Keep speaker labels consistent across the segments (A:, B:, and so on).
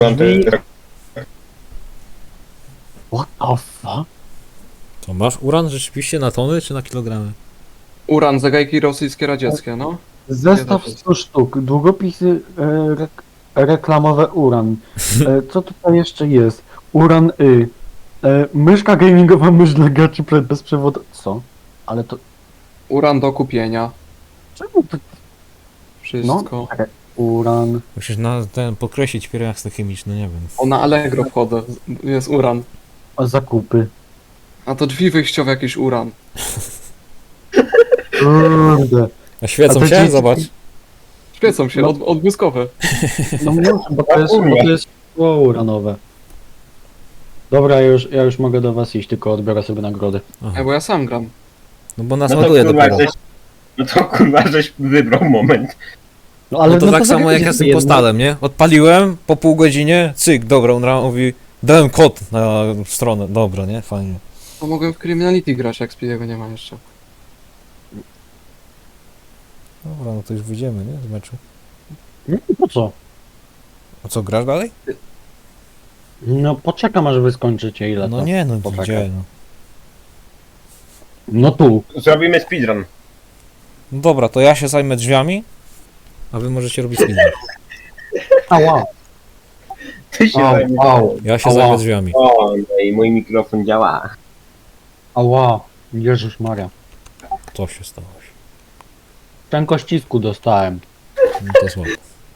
A: What the fuck?
B: To masz uran rzeczywiście na tony czy na kilogramy?
C: Uran, zagajki rosyjskie, radzieckie, no.
A: Zestaw 100 sztuk, długopisy reklamowe uran. Co tutaj jeszcze jest? Uran myszka gamingowa, mysz dla graczy bezprzewodowa. Co? Ale to...
C: Uran do kupienia.
A: Czemu to...
C: Wszystko.
A: czekaj. Uran...
B: Musisz na ten podkreślić pierwiasty chemiczny, nie wiem.
C: O, na Allegro wchodzę. Jest uran.
A: zakupy.
C: A to drzwi wyjściowe jakiś uran.
A: Kurde.
B: A świecą
A: A to
B: się?
A: dzieci-
B: Zobacz.
C: Świecą się,
A: No.
C: odbłyskowe.
A: No muszę, bo to jest szkło uranowe. Dobra, ja już mogę do was iść, tylko odbiorę sobie nagrody.
B: Aha.
C: Bo ja sam gram.
B: No bo nas
D: No to
B: ładuje
D: kurwa,
B: dopiero.
D: żeś wybrał moment.
B: No to tak samo
A: zagadnij
B: jak ja z tym
A: jedno.
B: postalem, nie? Odpaliłem, po pół godzinie, cyk, dobra, on mówi, dałem kod na stronę, dobra, nie? Fajnie.
C: To mogłem w Criminality grać, jak Speediego nie ma jeszcze.
B: Dobra, no to już wyjdziemy, nie? Z meczu.
A: Nie, po co?
B: A co, grasz dalej?
A: No poczekam aż wy skończycie ile
B: No
A: to.
B: nie, no
A: poczekaj.
B: gdzie, no.
A: No tu.
D: Zrobimy speedrun.
B: No dobra, to ja się zajmę drzwiami, a wy możecie robić speedrun.
A: Ała.
D: Ty się
A: Au,
D: zajmiesz.
A: au.
B: Ja się
A: Ała.
B: zajmę drzwiami.
D: O, no i mój mikrofon działa.
A: Ała. Jezus Maria.
B: Co się stało?
A: Szczękościsku dostałem.
B: No to słabo.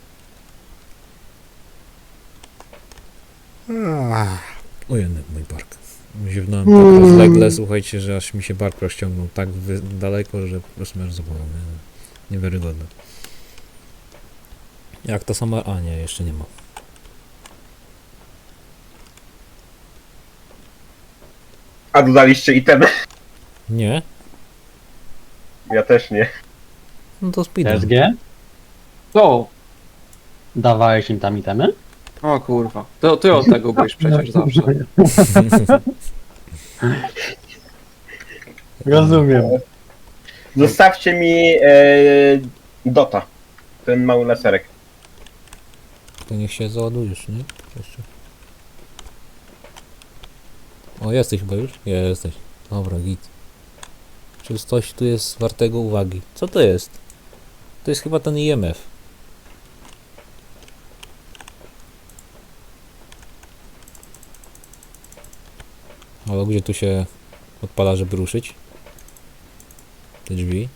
B: Ujemny mój bark. Ziewnąłem tak rozlegle, słuchajcie, że aż mi się bark rozciągnął tak daleko, że po prostu aż zabolał. Niewiarygodne. Jak to sama... A nie, jeszcze nie ma.
D: A dodaliście itemy?
B: Nie?
D: Ja też nie.
B: No to speedrun.
A: SG?
C: To!
A: Dawałeś im tam itemy?
C: O kurwa. To ty od tego byłeś przecież zawsze.
A: Rozumiem.
D: Zostawcie mi Dota. Ten mały laserek.
B: To niech się załadujesz, nie? Jeszcze. O, jesteś chyba już? Jesteś. Dobra, git. Czy coś tu jest wartego uwagi? Co to jest? To jest chyba ten IMF. Ale gdzie tu się odpala, żeby ruszyć? Te drzwi.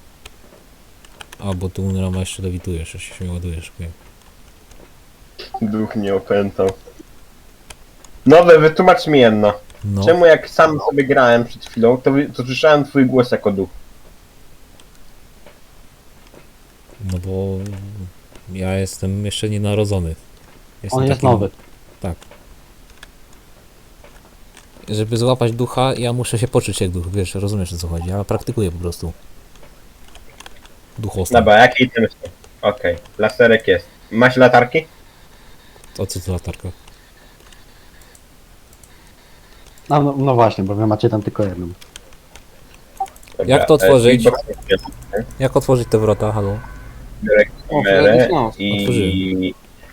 B: A, bo tu Unrama jeszcze lewitujesz, jeszcze się ładujesz. Okay.
D: Duch mnie opętał. Nowe, wytłumacz mi jedno.
B: No,
D: Czemu jak sam sobie grałem przed chwilą, to słyszałem twój głos jako duch?
B: no bo ja jestem jeszcze nienarodzony. Jestem
A: On jest
B: takim-
A: nowy.
B: Żeby złapać ducha, ja muszę się poczuć jak duch, wiesz, rozumiesz o co chodzi, ja praktykuję po prostu. Duchostwo.
D: Dobra, jakie itemy są? Okej, laserek jest. Masz latarki?
B: O co to latarka?
A: A, no właśnie, bo wy macie tam tylko jedną.
D: Dobra,
B: Jak to otworzyć?
D: Xbox
B: Jak otworzyć te wrota, halo?
D: biorę
C: O,
D: kamerę
C: Freddy's Mouse.
D: i...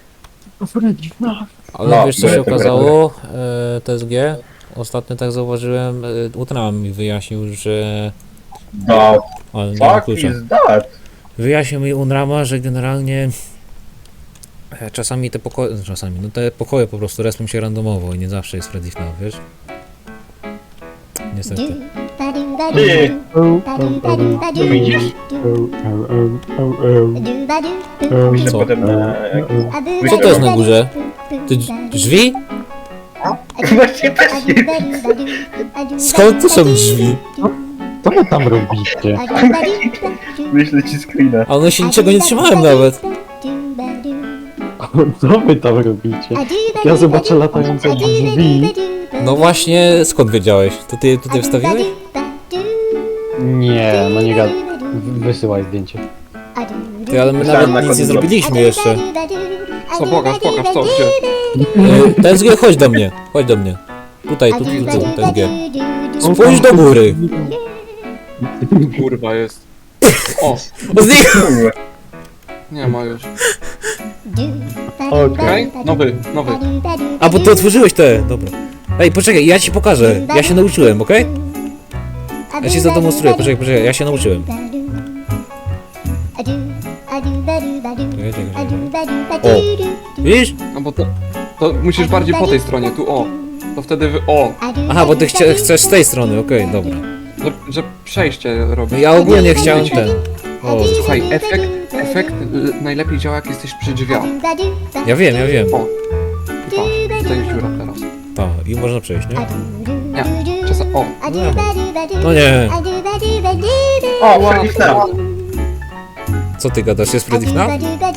B: Ale
D: No,
B: wiesz co się
D: biorę
B: okazało, TSG? Ostatnio tak zauważyłem, Utram mi wyjaśnił, że...
D: No,
B: Ale nie mam
D: fuck
B: klucza.
D: is that?
B: Wyjaśnił mi Unrama, że generalnie czasami te pokoje, no te pokoje po prostu respią się randomowo i nie zawsze jest Freddy FNAF, wiesz? Niestety.
D: Ty,
A: Tu
D: widzisz? Myślę
B: Co?
D: potem na...
B: Co to jest na górze? Ty drzwi?
D: Właśnie też nie widzę.
B: Skąd to są drzwi?
A: Co wy tam robicie?
D: Wyślę ci screena.
B: A one się niczego nie trzymałem nawet.
A: Co wy tam robicie? Ja zobaczę latające drzwi.
B: No właśnie, skąd wiedziałeś? To ty tutaj wstawiłeś?
A: Nie, no nie gad... Wysyłaj zdjęcie.
B: Ty, ale my
D: Myślałem, na
B: nawet nic nie
D: końcu.
B: zrobiliśmy jeszcze.
C: Co, pokaż, co, gdzie?
B: TSG, chodź do mnie, chodź do mnie. Tutaj, tu, TSG. Spójrz do góry.
C: Kurwa jest. O,
B: O, znikł!
D: Kurwa.
C: nie ma już. Okej? Nowy.
B: A, bo ty otworzyłeś te, dobra. Ej, poczekaj, ja ci pokażę. Ja się nauczyłem, okej? Ja ci zademonstruję, poczekaj, ja się nauczyłem. O, widzisz?
C: No bo to musisz bardziej po tej stronie, tu o. To wtedy
B: Aha, bo ty chcesz z tej strony, okej, dobra.
C: że przejście robisz.
B: Ja ogólnie chciałem ten. O,
C: Słuchaj, efekt najlepiej działa jak jesteś przy drzwiach.
B: ja wiem.
C: O. I patrz, tutaj jest dziura teraz.
B: Tak, i można przejść, nie?
C: Nie, czasem, o.
B: No nie.
D: O, Freddy FNAF.
B: Co ty gadasz, jest Freddy FNAF?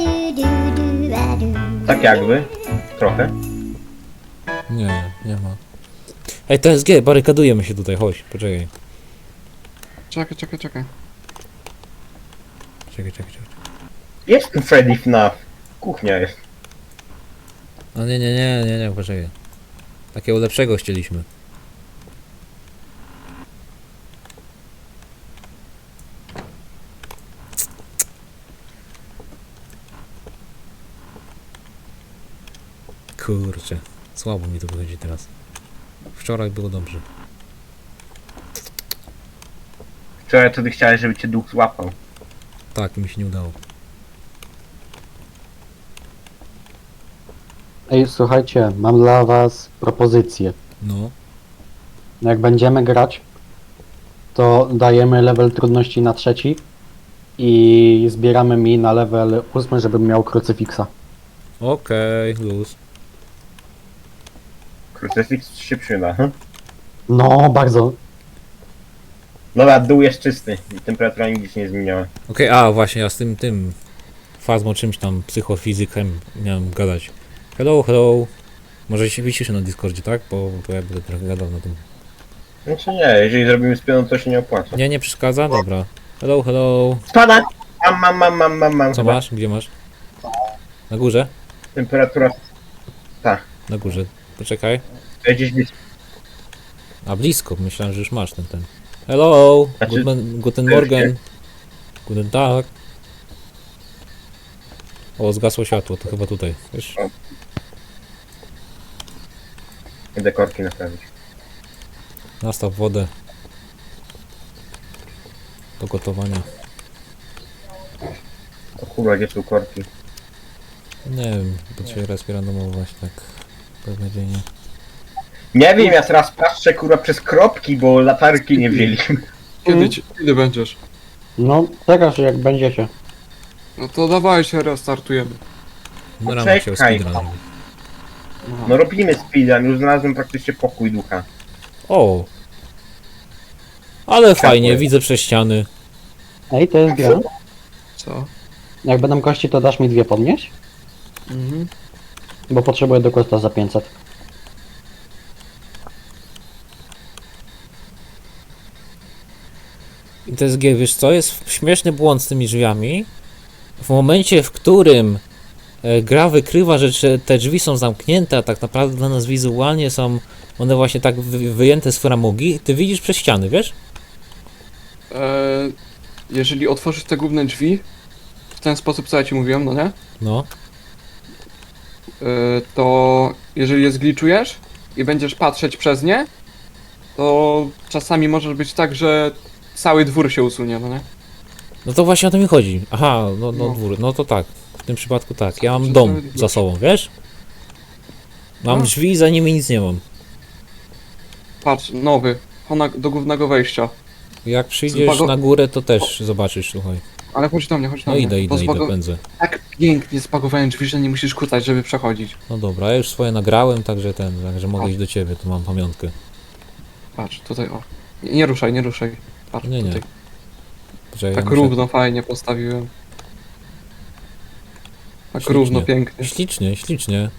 D: Tak jakby. Trochę.
B: Nie ma. Ej, TSG, barykadujemy się tutaj, chodź, poczekaj.
C: Czekaj.
B: Czekaj.
D: Jest tu Freddy FNAF. Kuchnia jest.
B: No nie, poczekaj. Takiego lepszego chcieliśmy. Kurczę, słabo mi to wychodzi teraz. Wczoraj było dobrze.
D: Wczoraj to ty chciałeś, żeby cię duch złapał.
B: Tak, mi się nie udało.
A: Ej, słuchajcie, mam dla was propozycję.
B: No,
A: Jak będziemy grać, to dajemy level trudności na 3 i zbieramy mi na level 8, żebym miał krucyfiksa.
B: okej, luz.
D: Krucyfiks się przyda.
A: No, bardzo.
D: Dobra, dół jest czysty. I temperatura nigdzie się nie zmieniała.
B: Okej, a właśnie, ja z tym fazmą czymś tam, psychofizykiem miałem gadać. Hello. Może się wyciszę na Discordzie, tak? Bo ja będę trochę gadał na tym.
D: Znaczy nie, jeżeli zrobimy spioną, to się nie opłaca.
B: Nie przeszkadza? Dobra. Hello.
D: Spada! Mam.
B: Co masz? Gdzie masz? Na górze?
D: Temperatura
B: Na górze. Poczekaj.
D: gdzieś blisko.
B: A blisko, myślałem, że już masz ten. Hello!
D: Znaczy,
B: Guten Morgen. Guten Tag. O, zgasło światło, to chyba tutaj. Wiesz?
D: Idę korki naprawić.
B: Nastaw wodę. Do gotowania.
D: O kurwa, gdzie są korki?
B: Nie wiem, bo dzisiaj raz randomować tak beznadziejnie.
D: Nie wiem, ja teraz patrzę kurwa przez kropki, bo latarki nie wzięliśmy.
C: Kiedy będziesz?
A: No, teraz jak będziecie.
C: No to dawaj się restartujemy.
B: No rano chciał
D: Czekaj.
B: speedrun robić.
D: No robimy speedrun, już znalazłem praktycznie pokój ducha.
B: O! Ale fajnie,
D: jest.
B: widzę przez ściany.
A: Ej, to jest gra.
C: Co?
A: Jak będą kości, to dasz mi 2 podnieść?
C: Mhm.
A: Bo potrzebuję do kosta za 500.
B: I TSG, wiesz co, jest śmieszny błąd z tymi drzwiami. W momencie, w którym gra wykrywa, że te drzwi są zamknięte, a tak naprawdę dla nas wizualnie są one właśnie tak wyjęte z framugi, ty widzisz przez ściany, wiesz?
C: Jeżeli otworzysz te główne drzwi w ten sposób, co ja ci mówiłem, no nie?
B: No.
C: To jeżeli je zgliczujesz i będziesz patrzeć przez nie, to czasami może być tak, że cały dwór się usunie, no nie?
B: No to właśnie o to mi chodzi. Aha, no
C: No.
B: dwór, no to tak. W tym przypadku tak. Ja mam
C: Przez
B: dom
C: cały dwór.
B: za sobą, wiesz? Mam
C: No.
B: drzwi, za nimi nic nie mam.
C: Patrz, nowy, do głównego wejścia.
B: Jak przyjdziesz na górę, to też zobaczysz, słuchaj.
C: Ale chodź do mnie, chodź do
B: No
C: mnie.
B: idę, pędzę.
C: Tak pięknie spakowałem drzwi, że nie musisz kłócać, żeby przechodzić.
B: No dobra, ja już swoje nagrałem, także także mogę iść do ciebie, tu mam pamiątkę.
C: Patrz, tutaj o. Nie ruszaj, nie ruszaj. Patrz,
B: Nie.
C: tutaj.
B: Poczekaj,
C: Tak
B: ja muszę-
C: równo, fajnie postawiłem. Tak
B: Ślicznie.
C: równo, pięknie.
B: Ślicznie.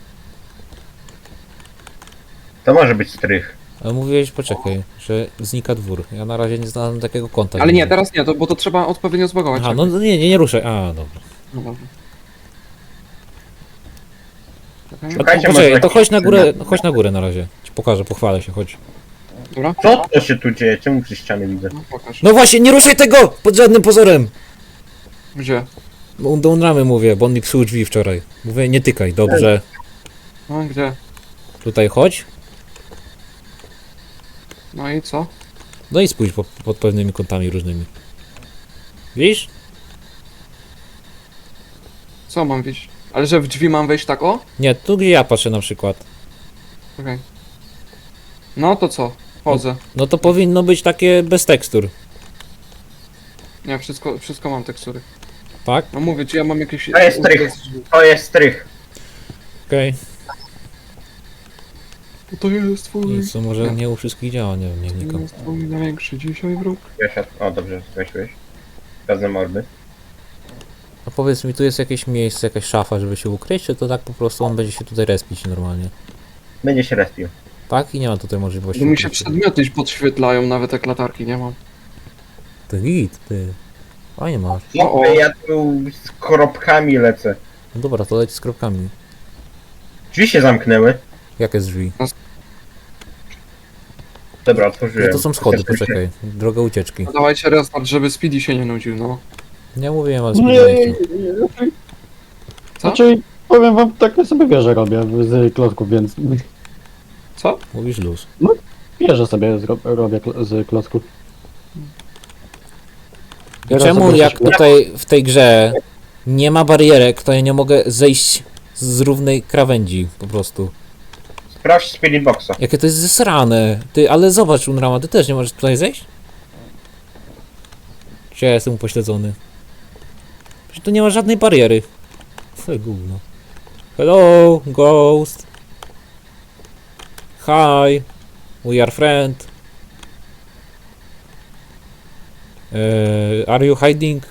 D: To może być strych.
B: Ale mówiłeś, poczekaj, że znika dwór. Ja na razie nie znalazłem takiego konta.
C: Ale nie, teraz nie, bo to trzeba odpowiednio zbagować.
B: Aha, no nie ruszaj. A, dobra.
C: No dobra. Czekaj.
B: A
D: Szukajcie,
B: to, poczekaj,
D: może
B: to
D: jakiś
B: chodź na górę na razie. Ci pokażę, pochwalę się, chodź.
C: Dobra,
D: Co to się tu dzieje? Czemu przez ściany widzę?
C: no pokaż.
B: No właśnie, nie ruszaj tego! Pod żadnym pozorem!
C: Gdzie?
B: Do Unramy mówię, bo on mi psuł drzwi wczoraj. Mówię, nie tykaj, dobrze.
C: No gdzie?
B: Tutaj chodź.
C: No i co?
B: No i spójrz pod pewnymi kątami różnymi. Widzisz?
C: Co mam wejść? Ale że w drzwi mam wejść tak o?
B: Nie, tu gdzie ja patrzę na przykład.
C: Okej. No to co? Chodzę.
B: No to powinno być takie bez tekstur,
C: Nie, wszystko mam tekstury.
B: tak?
C: No mówię, czy ja mam jakieś...
D: To jest trych. To jest strych.
B: Okej.
C: To jest twój...
B: Co może nie u wszystkich działa, nie wiem, nie
C: To
B: wnikam.
C: jest twój największy dzisiaj wróg.
D: O, dobrze, weźłeś. Pewne mordy.
B: A powiedz mi, tu jest jakieś miejsce, jakaś szafa, żeby się ukryć, czy to tak po prostu on będzie się tutaj respić normalnie?
D: Będzie się respił.
B: Tak? I nie ma tutaj możliwości.
C: Bo mi się
B: ukrycia.
C: przedmioty podświetlają, nawet jak latarki nie mam.
B: To git, ty. Fajnie masz.
C: O, o.
D: Ja tu z kropkami lecę.
B: No dobra, to leć z kropkami.
D: Drzwi się zamknęły.
B: Jakie drzwi?
D: Dobra,
B: No
D: otworzyłem.
B: to są schody, poczekaj. Droga ucieczki.
C: No dawajcie restart, żeby Speedy się nie nudził, no.
B: Nie mówiłem, ale
A: Nie,
B: spóźniłeś.
C: Co?
A: Znaczy, powiem wam, tak sobie wieżę robię z klocków, więc
C: Co?
B: Mówisz luz.
A: wieżę sobie robię z klocków.
B: I
A: Teraz
B: czemu
A: sobie
B: jak
A: coś-
B: tutaj w tej grze nie ma barierek, to ja nie mogę zejść z równej krawędzi po prostu.
D: Sprawdź Spirit Boxa.
B: Jakie to jest zesrane. Ty, ale zobacz Unrama, ty też nie możesz tutaj zejść? Czy ja jestem upośledzony? Przecież tu nie ma żadnej bariery. Co gówno. Hello, ghost. Hi. We are friend. Are you hiding?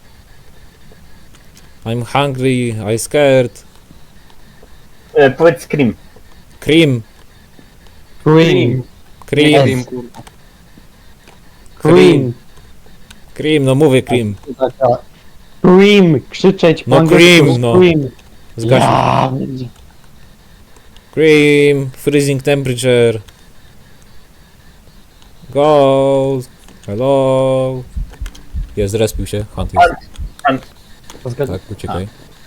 B: I'm hungry, I scared.
D: Powiedz Scream.
B: Cream,
A: Cream,
B: cream,
C: Wiem, kurwa.
A: cream,
B: cream, no mówię cream.
A: cream, krzyczeć po
B: No
A: angielsku,
B: cream, no.
A: cream.
B: Zgaś.
A: Ja,
B: Cream, freezing temperature. Ghost. Hello. Jest, zrespił się. Hunt jest.
A: to zgadza.
B: Tak, uciekaj.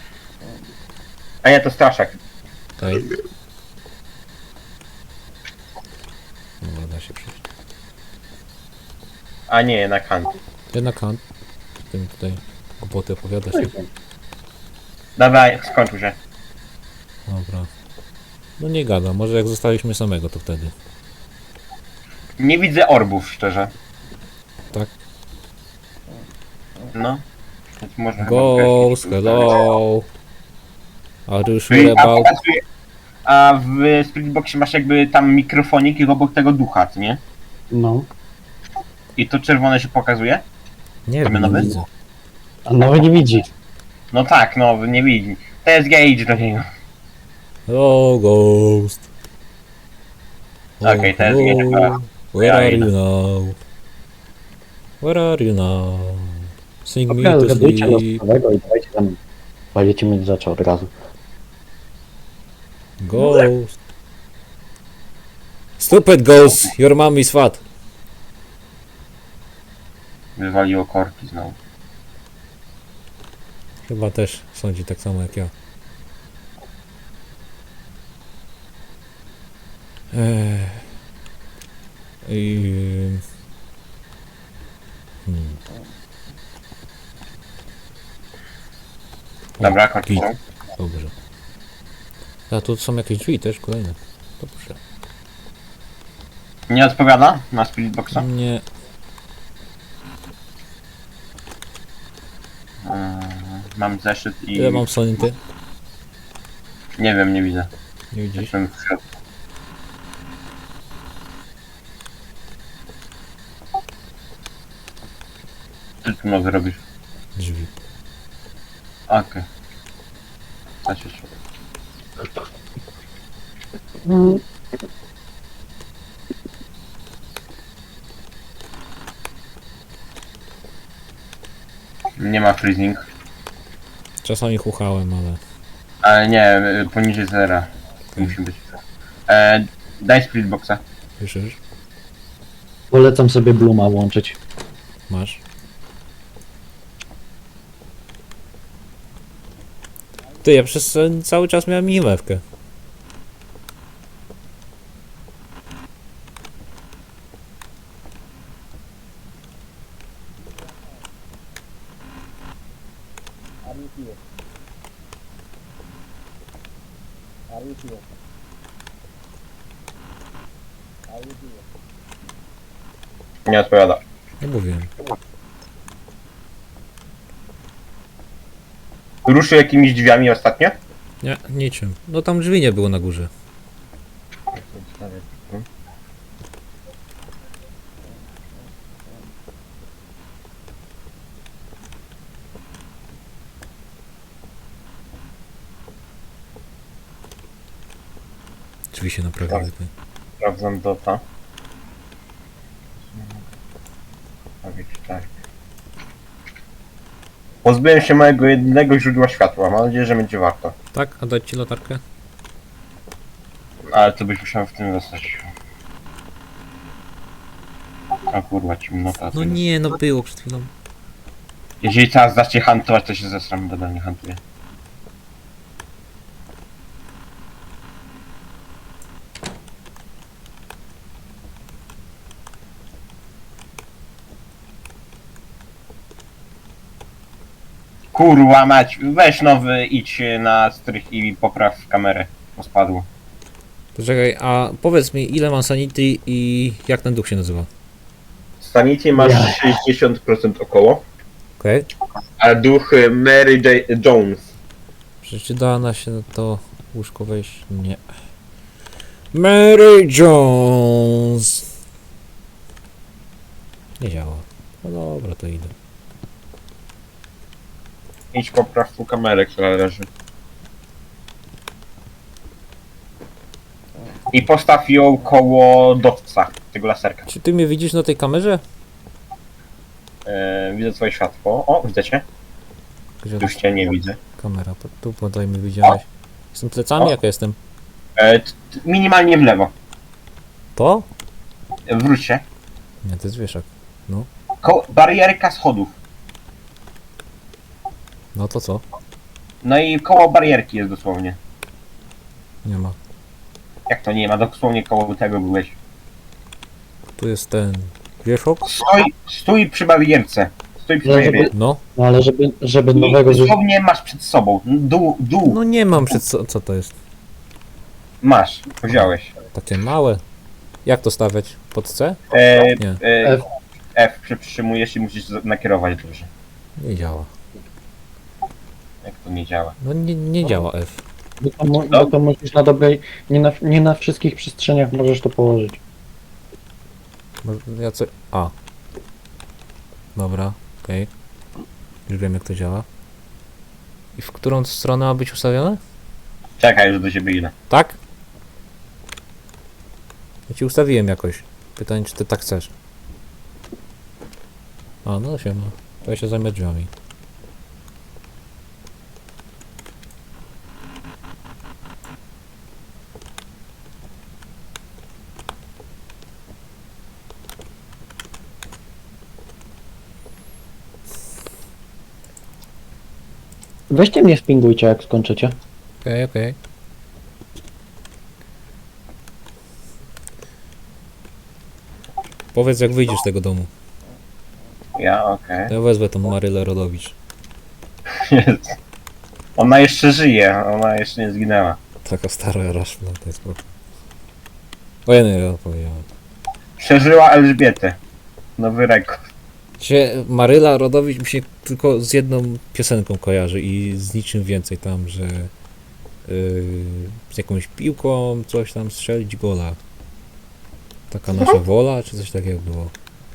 D: A nie, to Staszak.
B: Okej. Dobra, da się przejść.
D: A nie, jednak Hunt.
B: Jednak Hunt. Tym tutaj głupoty opowiada się.
D: Dawaj, skończył się.
B: Dobra. No nie gada, może jak zostaliśmy samego, to wtedy.
D: Nie widzę orbów, szczerze.
B: Tak.
D: No. Więc można
B: Ghost,
D: chyba
B: hello. Are you
D: A,
B: sure about...
D: a w Spirit Boxie masz jakby tam mikrofonik i obok tego ducha, co nie?
A: No,
D: I to czerwone się pokazuje?
B: Nie wiem,
D: Mamy
B: nie
D: nowy?
B: widzę.
A: a nawet nie widzi.
D: No tak, no, nie widzi. To jest gauge do niego.
B: Hello, Ghost.
D: Okej, teraz nie
B: hello.
D: chyba.
B: Where
D: Ja
B: are
D: idę.
B: you now? Where are you now? Sing me
A: Dobra,
B: to
A: zgadujcie
B: sleep.
A: losowego i dawajcie tam. Będziecie mieć rzeczy od razu.
B: Ghost. Stupid ghost, your mom is fat.
D: Wywaliło korki znowu.
B: Chyba też sądzi tak samo jak ja. I...
D: Dobra,
B: O,
D: korki
B: git.
D: są.
B: Dobrze. A tu są jakieś drzwi też kolejne. Dobrze.
D: Nie odpowiada na Spirit Boxa?
B: Nie.
D: Mam zeszyt i...
B: Ile mam sonity?
D: Nie wiem, nie widzę.
B: Nie widzisz?
D: Jestem w środku. Co ty tu nowy robisz?
B: Drzwi.
D: Okej. Okay. się. Nie ma freezing.
B: Czasami chuchałem, ale...
D: Ale nie, poniżej zera. Musi być. Daj Spirit Boxa.
B: Słyszysz?
A: Polecam sobie Bluma łączyć.
B: Masz? Ty, ja przez cały czas miałem minimewkę.
D: Nie odpowiada.
B: Nie mówiłem.
D: Ruszył jakimiś drzwiami ostatnio?
B: Nie, niczym. No tam drzwi nie było na górze. Drzwi się naprawiły. Ty.
D: Sprawdzam dota. Tak. Pozbyłem się mojego jedynego źródła światła. Mam nadzieję, że będzie warto.
B: Tak? A dać ci latarkę?
D: Ale to byś musiał w tym zostać. A kurwa, ciemnota.
B: No nie, no było przed chwilą.
D: Jeżeli teraz zacznie hantować, to się zesram. Dobra, nie hantuję. Kurwa mać, weź nowy, idź na strych i popraw kamerę, bo spadło.
B: Poczekaj, a powiedz mi, ile mam sanity i jak ten duch się nazywa?
D: Sanity masz
A: Ja.
D: 60% około,
B: Okej.
D: a duch Mary Jones.
B: Czy da na się na to łóżko wejść? Nie. Mary Jones! Nie działa. No dobra, to idę.
D: Idź popraw tu kamerę, która leży. I postaw ją koło dotca, tego laserka.
B: Czy ty mnie widzisz na tej kamerze?
D: Widzę twoje światło. O, widzę cię.
B: Gdzie
D: Już cię nie widzę.
B: kamera? Tu podaj mi widziałeś. Jestem plecami?
D: O.
B: Jak jestem?
D: Minimalnie w lewo.
B: To?
D: Wróć się.
B: Nie, to jest wieszak.
D: Barierka schodów.
B: No to co?
D: No i koło barierki jest dosłownie.
B: Nie ma.
D: Jak to nie ma? Dosłownie koło tego byłeś.
B: Tu jest ten wieszok?
D: Stój przy barierce. Stój przy
A: No, żeby-
D: barierce.
B: No.
A: No ale żeby
D: I
A: nowego
D: dosłownie masz przed sobą. Dół.
B: No nie mam przed co to jest?
D: Masz. Wziąłeś.
B: Takie małe. Jak to stawiać? Pod C? Nie.
A: F.
D: F przytrzymujesz i musisz nakierować dobrze.
B: Nie działa.
D: Jak to nie działa.
B: No nie działa F.
A: Bo to musisz na dobrej, nie na wszystkich przestrzeniach możesz to położyć.
B: Ja co... A. Dobra, okej. Już wiem jak to działa. I w którą stronę ma być ustawione?
D: Czekaj, już do ciebie idę.
B: Tak? Ja ci ustawiłem jakoś. Pytanie, czy ty tak chcesz. A, no siema. To ja się zajmę drzwiami.
A: Weźcie mnie spingujcie jak skończycie.
B: Okej. Powiedz jak wyjdziesz z tego domu.
D: Ja, okej.
B: To ja wezwę tą Marylę Rodowicz.
D: Ona jeszcze żyje, ona jeszcze nie zginęła.
B: Taka stara raszla, to jest spoko. O ja nie powiedziałem.
D: Przeżyła Elżbietę. Nowy rekord.
B: Maryla Rodowicz mi się tylko z jedną piosenką kojarzy i z niczym więcej tam, że z jakąś piłką coś tam strzelić gola. Taka nasza wola, czy coś takiego było.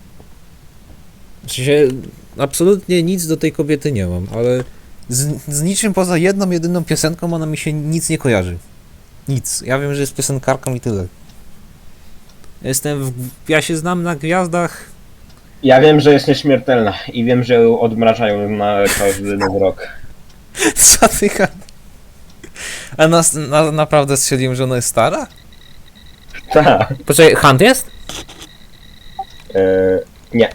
B: W sensie absolutnie nic do tej kobiety nie mam, ale z niczym poza jedną, jedyną piosenką ona mi się nic nie kojarzy. Nic. Ja wiem, że jest piosenkarką i tyle. Ja się znam na gwiazdach.
D: Ja wiem, że jest nieśmiertelna i wiem, że ją odmrażają na każdy nowy rok.
B: Co ty gadasz? A naprawdę strzeliłem, że ona jest stara?
D: Tak.
B: Poczekaj, Hunt jest?
D: Nie.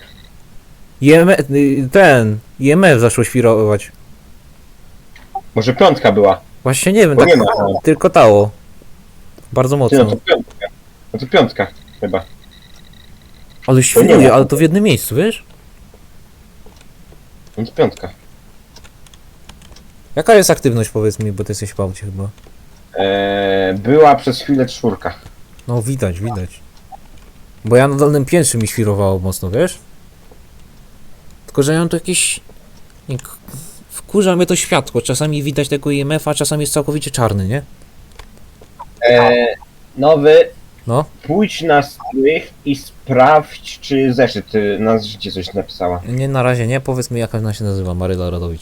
B: IMF zaszło świrować.
D: Może piątka była.
B: Właśnie nie wiem,
D: Bo
B: tak
D: nie ma.
B: tylko tało. Bardzo
D: Ty, no
B: mocno.
D: to piątka. No to piątka chyba.
B: Ale
D: nie
B: świruje,
D: ma.
B: ale to w jednym miejscu, wiesz?
D: No to piątka.
B: Jaka jest aktywność, powiedz mi, bo ty jesteś w aucie chyba.
D: Była przez chwilę 4.
B: No widać, widać. Bo ja na dolnym piętrze mi świrowało mocno, wiesz? Tylko, że ja mam tu jakieś... nie, wkurza mnie to światło. Czasami widać tego IMF-a, czasami jest całkowicie czarny, nie?
D: Nowy.
B: No.
D: Pójdź na strych i sprawdź, czy zeszyt na zeszycie coś napisała.
B: Nie, na razie nie. Powiedz mi, jak ona się nazywa, Maryla Radowicz.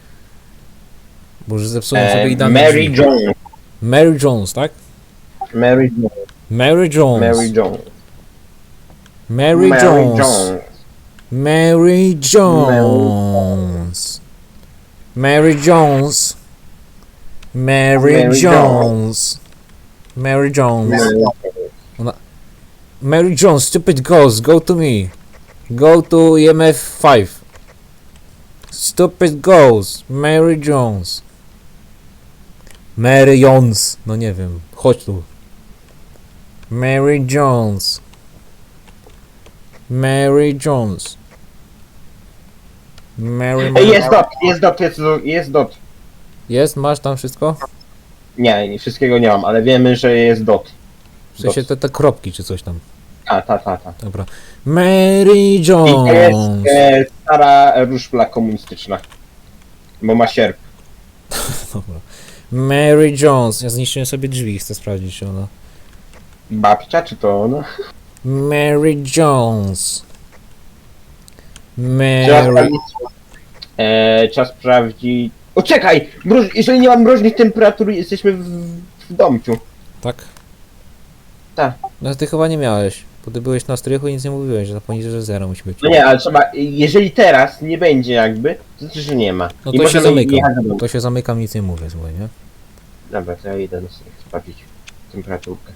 B: Bo już zepsułem sobie idealne
D: Mary
B: drzwi.
D: Jones.
B: Mary Jones, tak?
D: Mary Jones.
B: Mary Jones.
D: Mary Jones.
B: Mary Jones. Mary Jones. Mary Jones. Mary
D: Mary
B: Jones. Mary Jones. Mary Jones, stupid ghost, go to me. Go to EMF 5. Stupid ghost, Mary Jones. Mary Jones, no nie wiem, chodź tu. Mary Jones. Mary Jones. Mary.
D: Ej, jest dot.
B: Jest, masz tam wszystko?
D: Nie, wszystkiego nie mam, ale wiemy, że jest dot.
B: W sensie te kropki czy coś tam.
D: Ta.
B: Dobra. Mary
D: I
B: Jones.
D: jest stara ruszpla komunistyczna. Bo ma sierp.
B: Dobra. Mary Jones. Ja zniszczyłem sobie drzwi, chcę sprawdzić, czy ona.
D: Babcia, czy to ona?
B: Mary Jones.
D: Trzeba
B: Mary.
D: sprawdzić. Trzeba sprawdzić. O, czekaj! Jeżeli nie mam mroźnych temperatur, jesteśmy w domciu.
B: Tak?
D: Tak.
B: No ty chyba nie miałeś. Bo ty byłeś na strychu i nic nie mówiłeś, że poniżej że 0 musi być.
D: No nie, ale trzeba. Jeżeli teraz nie będzie jakby, to znaczy, że nie ma.
B: No
D: I
B: to się
D: możemy
B: zamykam.
D: jechać do domu.
B: To się zamykam, nic nie mówię, słuchaj, nie?
D: Dobra, to ja idę na sobie sprawdzić temperaturkę.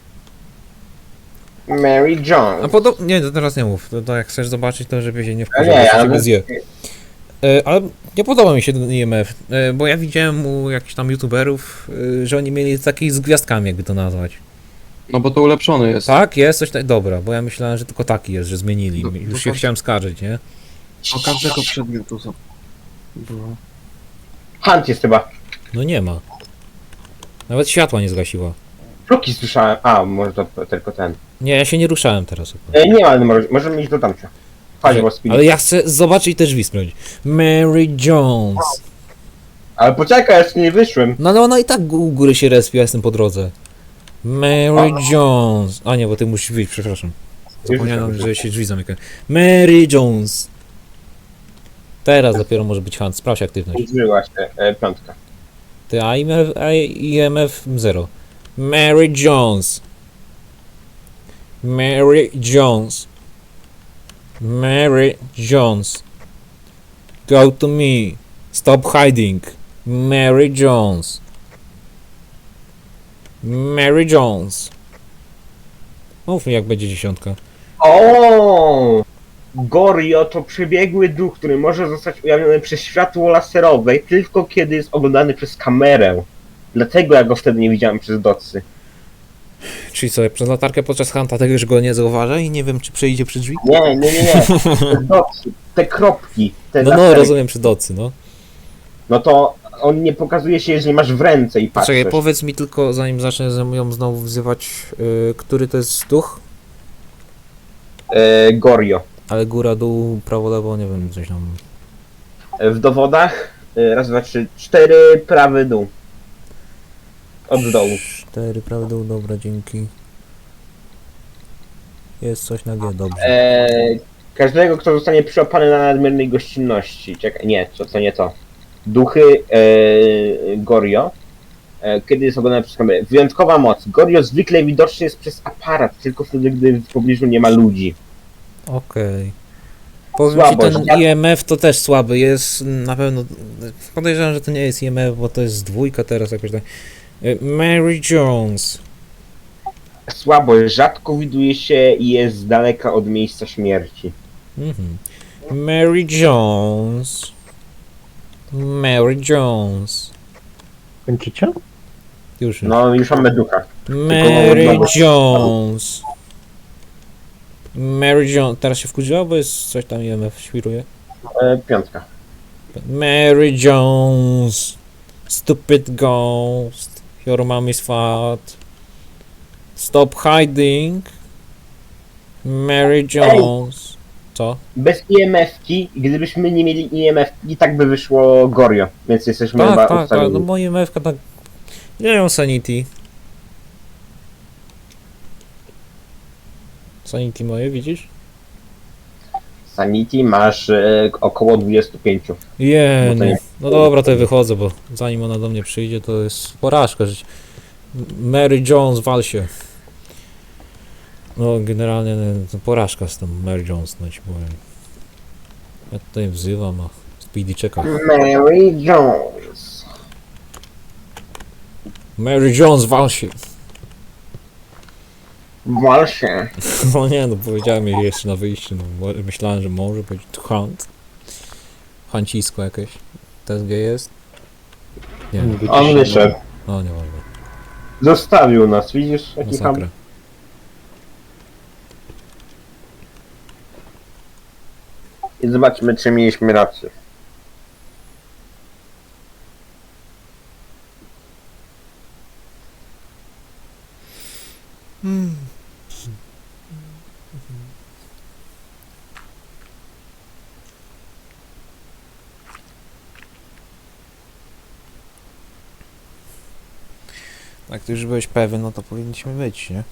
D: Mary Jones.
B: A podobnie. Nie, to teraz nie mów. To jak chcesz zobaczyć, to żeby się nie
D: A
B: wkurzył,
D: nie,
B: bo się
D: ale...
B: ciebie zje. Ale nie podoba mi się ten IMF, bo ja widziałem u jakichś tam youtuberów, że oni mieli takich z gwiazdkami, jakby to nazwać.
C: No bo to ulepszony jest.
B: Tak, jest coś tak. Dobra, bo ja myślałem, że tylko taki jest, że zmienili.
C: No,
B: Już
C: no
B: się
C: to-
B: chciałem skarżyć, nie?
C: O każdego przedmiotu są. Było.
D: Hunt jest chyba.
B: No nie ma. Nawet światła nie zgasiła.
D: Kroki słyszałem. A, może to tylko ten.
B: Nie, ja się nie ruszałem teraz. akurat.
D: Nie ma, ale możemy iść do tamcia. Chodź, bo speed.
B: Ale ja chcę zobaczyć te drzwi sprawdzić. Mary Jones.
D: Ale poczekaj, jeszcze nie wyszłem.
B: No ale ona i tak u góry się respi, ja jestem po drodze. Mary Jones. A nie, bo ty musisz wyjść, przepraszam. Zapomniałem, że się drzwi zamykają. Mary Jones. Teraz dopiero może być Hunt. Sprawdź aktywność.
D: Użyła się piątka.
B: Ty IMF 0. Mary Jones. Mary Jones. Mary Jones. Go to me. Stop hiding. Mary Jones. Mary Jones. Mów mi, jak będzie 10.
D: O! Gorio to przebiegły duch, który może zostać ujawniony przez światło laserowe tylko kiedy jest oglądany przez kamerę. Dlatego ja go wtedy nie widziałem przez docy.
B: Czyli co, przez latarkę podczas Hunta tego już go nie zauważa i nie wiem, czy przejdzie przy drzwi?
D: Nie. Przez docy. Te kropki. Te
B: No,
D: lasery.
B: rozumiem, przy docy, no.
D: No to on nie pokazuje się, jeżeli masz w ręce i patrzysz.
B: Czekaj, powiedz mi tylko, zanim zacznę ją znowu wzywać, który to jest duch?
D: Gorio.
B: Ale góra, dół, prawo, lewo, nie wiem, coś tam.
D: W dowodach raz, dwa, trzy, 4 prawy dół. Od dołu.
B: 4, prawo, dół, dobra, dzięki. Jest coś na G, dobrze.
D: Każdego, kto zostanie przyłapany na nadmiernej gościnności. Czekaj, nie, to nie to. Duchy Gorio. Kiedy jest oglądany przez kamerę. Wyjątkowa moc. Gorio zwykle widoczny jest przez aparat, tylko wtedy, gdy w pobliżu nie ma ludzi.
B: Okej. Powiem
D: Słabo,
B: ci, ten
D: że-
B: IMF to też słaby jest, na pewno, podejrzewam, że to nie jest IMF, bo to jest dwójka teraz jakoś tak. Mary Jones.
D: Słabo, rzadko widuje się i jest z daleka od miejsca śmierci.
B: Mhm. Mary Jones. Mary Jones.
A: Kończycie?
B: Już.
D: No, już mamy ducha.
B: Mary Jones. Mary Jones. Teraz się wkurzyła, bo jest coś tam IMF świruje.
D: 5.
B: Mary Jones. Stupid ghost. Your mom is fat. Stop hiding. Mary Jones. Co?
D: Bez IMF-ki, gdybyśmy nie mieli IMF, i tak by wyszło Gorio, więc jesteśmy chyba
B: Tak, tak, tak.
D: ustawieni.
B: No moje IMF tak. Nie ją Sanity. Sanity moje, widzisz?
D: Sanity masz około 25.
B: No
D: to nie-
B: no dobra, to ja wychodzę, bo zanim ona do mnie przyjdzie, to jest porażka żyć. Mary Jones, wal się. No generalnie to porażka z tą Mary Jones, no ci powiem. Ja tutaj wzywam, a Speedy czeka.
D: Mary Jones.
B: Mary Jones, wal się.
D: Wal się.
B: No nie, no powiedziałem jej jeszcze na wyjściu, no myślałem, że może być to hunt. Hancisko jakieś. TSG jest? Nie,
D: On wyszedł.
B: no nieważne.
D: Zostawił nas, widzisz? Jaki ham.
B: Masakra.
D: I zobaczmy, czy mieliśmy rację.
B: Jak ty już byłeś pewien, no to powinniśmy być, nie?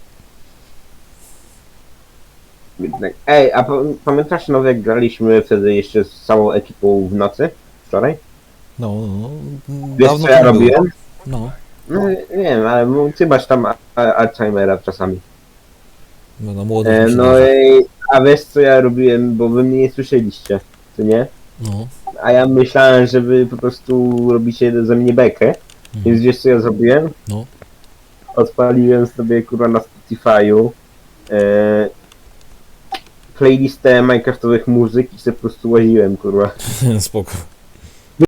D: Ej, a pamiętasz, no, jak graliśmy wtedy jeszcze z całą ekipą w nocy? Wczoraj?
B: No,
D: Wiesz,
B: dawno
D: co ja
B: to nie było.
D: robiłem?
B: No,
D: No, nie wiem, ale ty masz tam Alzheimera czasami.
B: no na młodych
D: No i, a wiesz, co ja robiłem, bo wy mnie nie słyszeliście, co nie?
B: No.
D: A ja myślałem, że wy po prostu robicie ze mnie bekę. Więc wiesz, co ja zrobiłem?
B: No.
D: Odpaliłem sobie, kurwa, na Spotify'u playlistę minecraftowych muzyk i sobie po prostu łaziłem, kurwa.
B: Spoko.